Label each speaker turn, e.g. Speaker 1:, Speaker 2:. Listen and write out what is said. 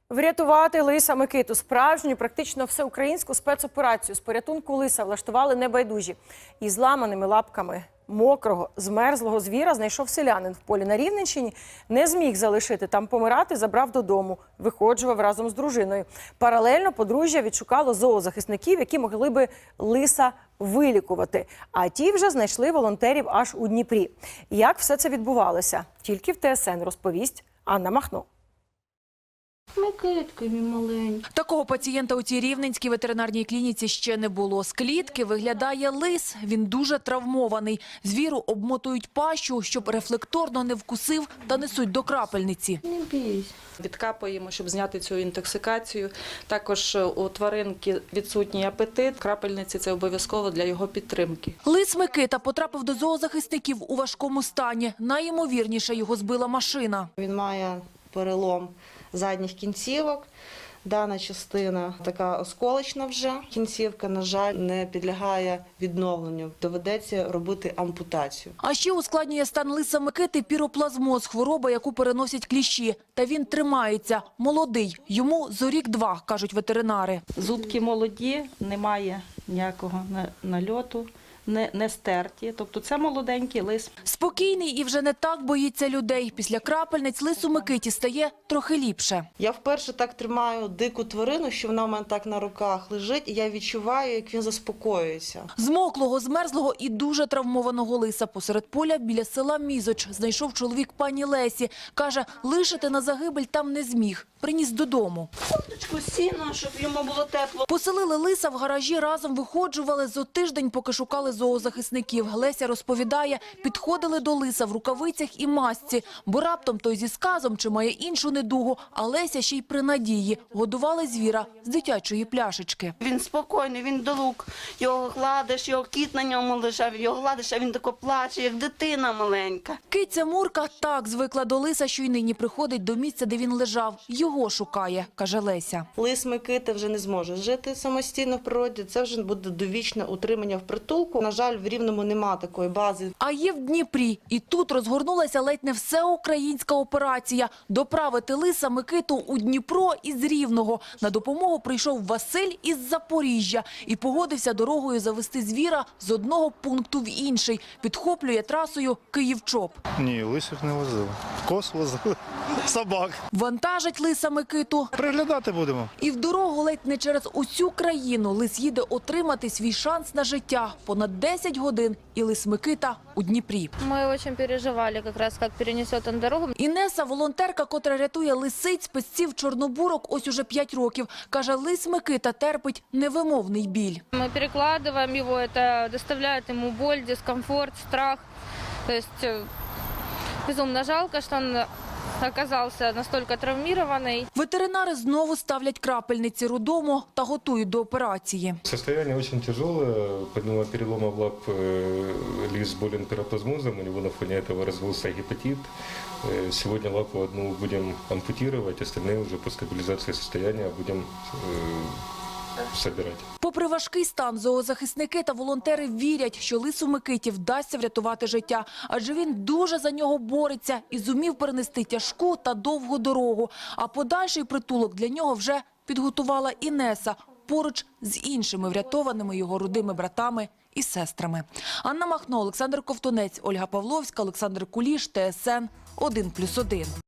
Speaker 1: Врятувати лиса Микиту. Справжню, практично всеукраїнську спецоперацію з порятунку лиса влаштували небайдужі. Із зламаними лапками мокрого, змерзлого звіра знайшов селянин в полі на Рівненщині. Не зміг залишити там помирати, забрав додому. Виходжував разом з дружиною. Паралельно подружжя відшукало зоозахисників, які могли би лиса вилікувати. А ті вже знайшли волонтерів аж у Дніпрі. Як все це відбувалося? Тільки в ТСН розповість Анна Махно.
Speaker 2: Микитка мій маленький.
Speaker 3: Такого пацієнта у цій рівненській ветеринарній клініці ще не було. З клітки виглядає лис. Він дуже травмований. Звіру обмотують пащу, щоб рефлекторно не вкусив, та несуть до крапельниці.
Speaker 2: Не бійся.
Speaker 4: Відкапуємо, щоб зняти цю інтоксикацію. Також у тваринки відсутній апетит. Крапельниці – це обов'язково для його підтримки.
Speaker 3: Лис Микита потрапив до зоозахисників у важкому стані. Найімовірніше його збила машина.
Speaker 2: Він має перелом задніх кінцівок. Дана частина така осколочна вже. Кінцівка, на жаль, не підлягає відновленню. Доведеться робити ампутацію.
Speaker 3: А ще ускладнює стан лиса Микити піроплазмоз – хвороба, яку переносять кліщі. Та він тримається. Молодий. Йому зорік-два, кажуть ветеринари.
Speaker 4: Зубки молоді, немає ніякого нальоту, не стерті. Тобто це молоденький лис.
Speaker 3: Спокійний і вже не так боїться людей. Після крапельниць лису Микиті стає трохи ліпше.
Speaker 2: Я вперше так тримаю дику тварину, що вона в мене так на руках лежить, і я відчуваю, як він заспокоюється.
Speaker 3: Змоклого, змерзлого і дуже травмованого лиса посеред поля біля села Мізоч знайшов чоловік пані Лесі. Каже, лишити на загибель там не зміг. Приніс додому.
Speaker 2: Курточку, сіно, щоб йому було тепло.
Speaker 3: Поселили лиса в гаражі, разом виходжували зо тиждень, поки шукали зоозахисників. Леся розповідає, підходили до лиса в рукавицях і масці, бо раптом той зі сказом чи має іншу недугу, а Леся ще й при надії. Годували звіра з дитячої пляшечки.
Speaker 5: Він спокійний, він долук. Його гладиш, його кіт на ньому лежав, його гладиш, а він тако плаче, як дитина маленька.
Speaker 3: Киця Мурка так звикла до лиса, що й нині приходить до місця, де він лежав. Його шукає, каже Леся.
Speaker 2: Лис Микита вже не зможе жити самостійно в природі. Це вже буде довічне утримання в притулку. На жаль, в Рівному нема такої бази.
Speaker 3: А є в Дніпрі. І тут розгорнулася ледь не всеукраїнська операція. Доправити лиса Микиту у Дніпро із Рівного. На допомогу прийшов Василь із Запоріжжя і погодився дорогою завести звіра з одного пункту в інший. Підхоплює трасою Київ-Чоп.
Speaker 6: Ні, лисих не возили. Коз возили, собак.
Speaker 3: Вантажить лиса Микиту.
Speaker 6: Приглядати будемо.
Speaker 3: І в дорогу ледь не через усю країну лис їде отримати свій шанс на життя. Понад 10 годин і лис Микита у Дніпрі.
Speaker 7: Мы очень переживали, как раз как перенесет он дорогу.
Speaker 3: Інеса – волонтерка, котра рятує лисиць, песців, чорнобурок ось уже 5 років. Каже, лис Микита терпить невимовний біль.
Speaker 7: Мы перекладываем его, это доставляет ему боль, дискомфорт, страх. То есть безумно жалко, что он оказался настолько травмированный.
Speaker 3: Ветеринари знову ставлять крапельниці роддому та готують до операції.
Speaker 8: Состояние очень тяжелое. Помимо перелома в лап лис болен пироплазмозом, у него на фоне этого развился гепатит. Сегодня лапу одну будем ампутировать, остальные уже по стабилизации состояния будем собирать.
Speaker 3: Попри важкий стан, зоозахисники та волонтери вірять, що лису Микиті вдасться врятувати життя. Адже він дуже за нього бореться і зумів перенести тяжку та довгу дорогу. А подальший притулок для нього вже підготувала Інеса поруч з іншими врятованими його родими братами і сестрами. Анна Махно, Олександр Ковтунець, Ольга Павловська, Олександр Куліш, ТСН 1+1.